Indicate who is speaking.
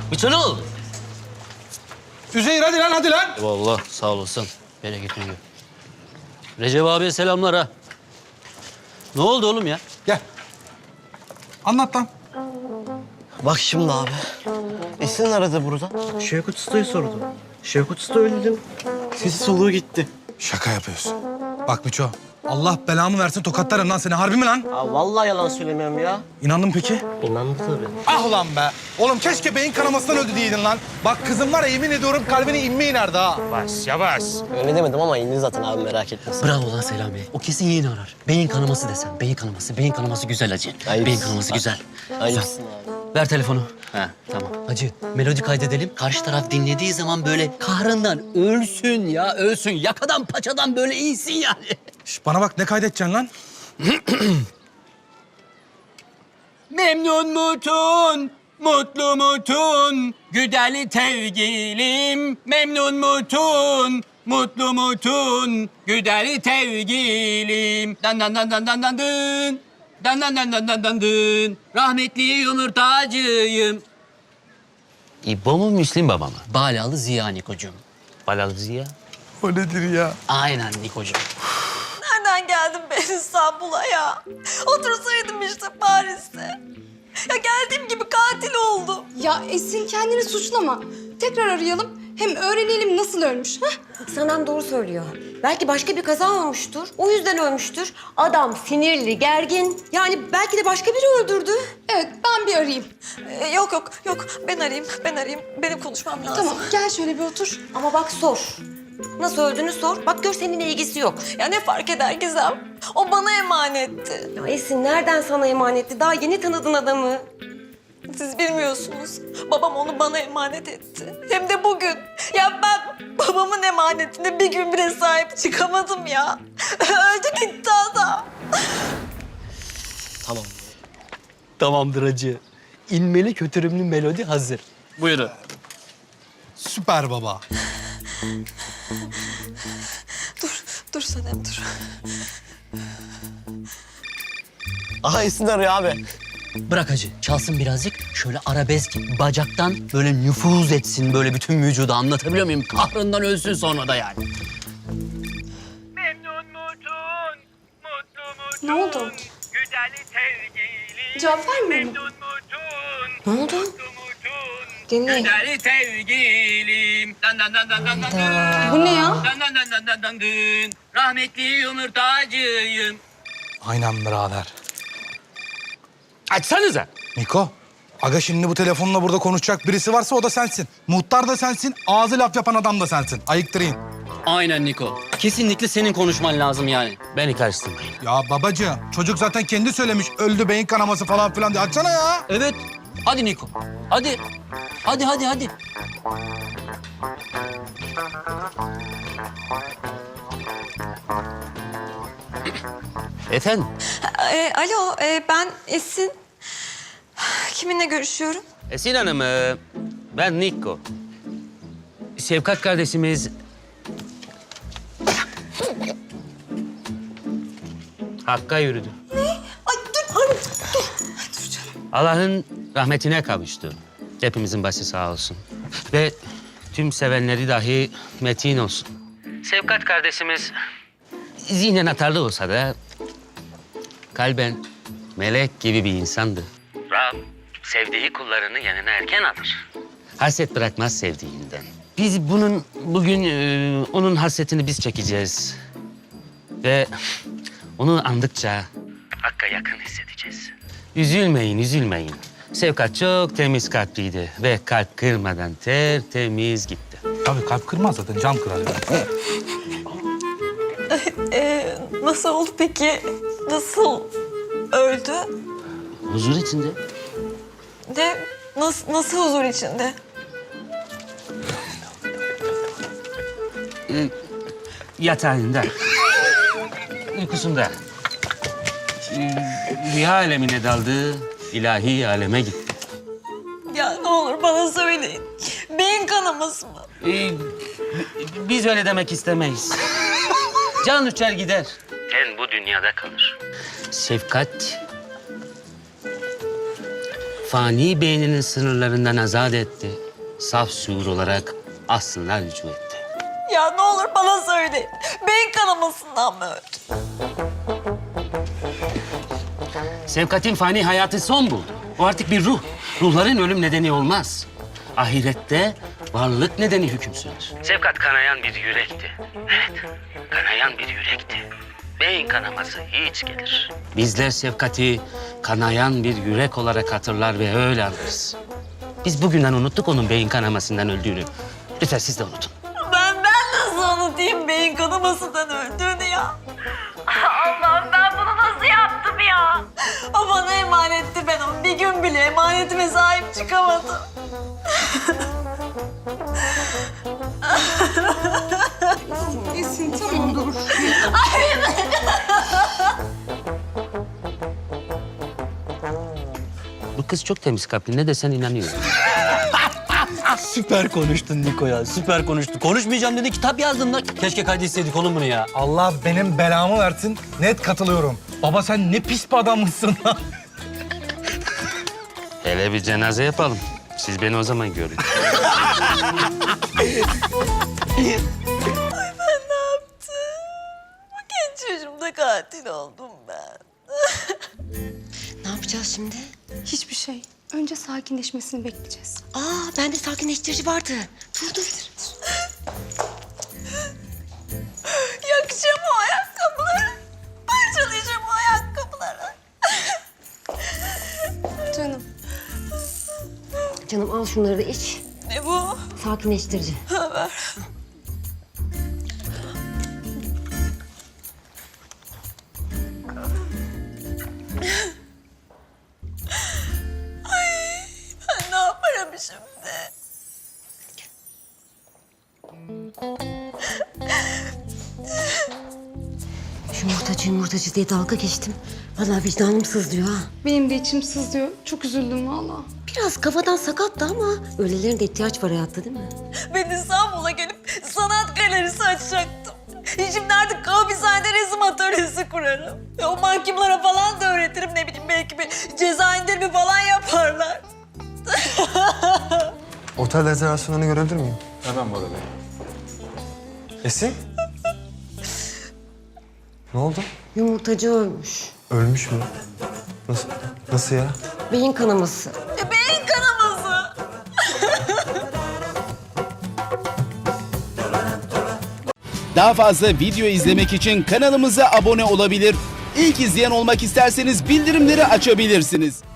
Speaker 1: Bütün oldu.
Speaker 2: Üzeyir hadi lan hadi lan.
Speaker 1: Vallahi sağ olasın. Bereketli gün. Recep abiye selamlar ha. Ne oldu oğlum ya?
Speaker 2: Gel. Anlat lan.
Speaker 3: Bak şimdi abi. Esin aradı burada. Şevkut Usta'yı sordu. Şevkut Usta öyle dedim. Sesi soluğu gitti.
Speaker 2: Şaka yapıyorsun. Bak Miço. Allah belamı versin tokatlarım lan seni. Harbi mi lan?
Speaker 3: Aa, vallahi yalan söylemiyorum ya.
Speaker 2: İnandın mı peki?
Speaker 3: İnandı tabii.
Speaker 2: Ah ulan be. Oğlum keşke beyin kanamasından öldü diyeydin lan. Bak kızım var ya yemin ediyorum kalbine inme inerdi ha.
Speaker 3: Öyle demedim ama indi zaten abi merak etmesin.
Speaker 1: Bravo lan Selami. O kesin yeni arar. Beyin kanaması desen. Beyin kanaması. Beyin kanaması güzel hacı.
Speaker 3: Ayıp.
Speaker 1: Beyin kanaması güzel.
Speaker 3: Ayıpsın abi.
Speaker 1: Ver telefonu. Ha tamam. Hacı melodi kaydedelim. Karşı taraf dinlediği zaman böyle kahrından ölsün ya ölsün. Yakadan paçadan böyle iyisin yani.
Speaker 2: Şş, bana bak ne kaydedeceksin lan?
Speaker 1: Memnun mutun, mutlu mutun, güdeli tevgilim. Memnun mutun, mutlu mutun, güdeli tevgilim. Dan dan dan dan dan dan dın. Dan dan dan dan dan dan dın. Rahmetli yumurtacıyım. İbo mu Müslim baba mı? Balalı Ziya Nikocuğum. Balalı Ziya?
Speaker 2: O nedir ya?
Speaker 1: Aynen Nikocuğum.
Speaker 4: Nereden geldim ben İstanbul'a ya? Otursaydım işte Paris'te. Ya geldiğim gibi katil oldum.
Speaker 5: Ya Esin kendini suçlama. Tekrar arayalım. Hem öğrenelim nasıl ölmüş. Hah?
Speaker 6: Sanem doğru söylüyor. Belki başka bir kaza olmuştur. O yüzden ölmüştür. Adam sinirli, gergin. Yani belki de başka biri öldürdü.
Speaker 5: Evet ben bir arayayım.
Speaker 4: Yok. Ben arayayım. Benim konuşmam lazım.
Speaker 5: Tamam gel şöyle bir otur.
Speaker 6: Ama bak sor. Nasıl öldüğünü sor. Bak gör seninle ilgisi yok.
Speaker 4: Ya ne fark eder Gizem? O bana emanetti.
Speaker 6: Ya Esin nereden sana emanetti? Daha yeni tanıdın adamı.
Speaker 4: Siz bilmiyorsunuz. Babam onu bana emanet etti. Hem de bugün. Ya ben babamın emanetine bir gün bile sahip çıkamadım ya. Öldü gitti adam.
Speaker 3: Tamam.
Speaker 1: Tamamdır hacı. İnmeli kötürümlü melodi hazır. Buyurun.
Speaker 2: Süper baba.
Speaker 4: Dur Sanem dur.
Speaker 3: Aha Esin arıyor abi.
Speaker 1: Bırak hacı. Çalsın birazcık. Şöyle arabesk bacaktan böyle nüfuz etsin böyle bütün vücuda. Anlatabiliyor muyum? Kahrından ölsün sonra da yani.
Speaker 7: Memnun mutun, mutlu mutun.
Speaker 5: Ne oldu?
Speaker 7: Güdeli sevgilim.
Speaker 5: Cevap vermiyor mu?
Speaker 7: Memnun mutun,
Speaker 6: Ne oldu?
Speaker 7: mutlu mutun.
Speaker 6: Dinle.
Speaker 7: Güdeli sevgilim. Dan dan dan dan dan dan dın.
Speaker 5: Bu ne ya?
Speaker 7: Dan dan dan dan dan dan dın. Rahmetli yumurtacıyım.
Speaker 2: Aynen birader.
Speaker 1: Açsanıza.
Speaker 2: Niko. Aga şimdi bu telefonla burada konuşacak birisi varsa o da sensin. Muhtar da sensin, ağzı laf yapan adam da sensin. Ayıktırayım.
Speaker 1: Aynen Niko. Kesinlikle senin konuşman lazım yani. Beni karıştırmayın.
Speaker 2: Ya babacığım, çocuk zaten kendi söylemiş. Öldü beyin kanaması falan filan diye. Açsana ya.
Speaker 1: Evet. Hadi Niko. Hadi. Hadi. Efendim?
Speaker 4: Alo, ben Esin. Kiminle görüşüyorum?
Speaker 1: Esin Hanım, ben Niko. Şefkat kardeşimiz... Hakk'a yürüdü.
Speaker 4: Ay dur.
Speaker 1: Allah'ın rahmetine kavuştu. Hepimizin başı sağ olsun. Ve tüm sevenleri dahi metin olsun. Şefkat kardeşimiz zihnen atarlı olsa da kalben melek gibi bir insandı. Rab sevdiği kullarını yanına erken alır. Hasret bırakmaz sevdiğinden. Biz bugün onun hasretini biz çekeceğiz. Ve onu andıkça Hakk'a yakın hissedeceğiz. Üzülmeyin. Şefkat çok temiz kalpliydi ve kalp kırmadan tertemiz gitti.
Speaker 2: Tabii kalp kırmaz zaten, cam kırar.
Speaker 4: Nasıl oldu peki? Nasıl öldü?
Speaker 1: Huzur içinde.
Speaker 4: Nasıl huzur içinde?
Speaker 1: Yatağında. Uykusunda. Rüya alemine daldı, ilahi aleme gitti.
Speaker 4: Ya ne olur bana söyleyin. Beyin kanaması mı?
Speaker 1: Biz öyle demek istemeyiz. Can uçar gider. Ten bu dünyada kalır. Şefkat fani beyninin sınırlarından azat etti. Saf şuur olarak aslına rücu etti.
Speaker 4: Ya ne olur bana söyle. Beyin kanamasından mı öldü?
Speaker 1: Sevkat'in fani hayatı son buldu. O artık bir ruh. Ruhların ölüm nedeni olmaz. Ahirette varlık nedeni hüküm sürer. Sevkat kanayan bir yürekti. Evet, kanayan bir yürekti. Beyin kanaması hiç gelir. Bizler Sevkat'i kanayan bir yürek olarak hatırlar ve öyle anlarız. Biz bugünden unuttuk onun beyin kanamasından öldüğünü. Lütfen siz de unutun.
Speaker 4: Ben nasıl unutayım beyin kanamasından öldüğünü ya? Allah'ım ben bunu nasıl yaptım ya? O bana emanetti, ben onu bir gün bile emanetime sahip çıkamadım.
Speaker 5: Esin tamam dur.
Speaker 1: Bu kız çok temiz kalpli. Ne desen inanıyor.
Speaker 8: Süper konuştun Niko ya, süper konuştun. Konuşmayacağım dedi, kitap yazdın lan. Keşke kaydetseydik oğlum bunu ya.
Speaker 2: Allah benim belamı versin. Net katılıyorum. Baba sen ne pis bir adammışsın lan.
Speaker 1: Hele bir cenaze yapalım. Siz beni o zaman görün.
Speaker 4: Bu genç yaşımda katil oldum ben.
Speaker 6: Ne yapacağız şimdi?
Speaker 5: Hiçbir şey. Önce sakinleşmesini bekleyeceğiz.
Speaker 6: Aa, bende sakinleştirici vardı. Dur.
Speaker 4: Yakacağım o ayakkabıları. Parçalayacağım o ayakkabıları.
Speaker 5: Canım.
Speaker 6: Canım al şunları da iç.
Speaker 4: Ne bu?
Speaker 6: Sakinleştirici.
Speaker 4: Ver. Ay, ben ne yaparım şimdi?
Speaker 6: Yumurtacı diye dalga geçtim. Vallahi vicdanım sızlıyor ha.
Speaker 5: Benim de içim sızlıyor. Çok üzüldüm vallahi.
Speaker 6: Biraz kafadan sakattı ama öylelerin de ihtiyaç var hayatta değil mi?
Speaker 4: Ben İstanbul'a gelip sanat galerisi açacaktım. Şimdi artık hapishanede resim atölyesi kurarım. O mahkumlara falan da öğretirim, ne bileyim belki bir ceza indirimi falan yaparlar.
Speaker 9: Otel rezervasyonlarını görebilir miyim? Hemen Bora Bey. Esin? Ne oldu?
Speaker 6: Yumurtacı ölmüş.
Speaker 9: Ölmüş mü? Nasıl? Nasıl ya?
Speaker 6: Beyin kanaması.
Speaker 4: Beyin kanaması.
Speaker 10: Daha fazla video izlemek için kanalımıza abone olabilir. İlk izleyen olmak isterseniz bildirimleri açabilirsiniz.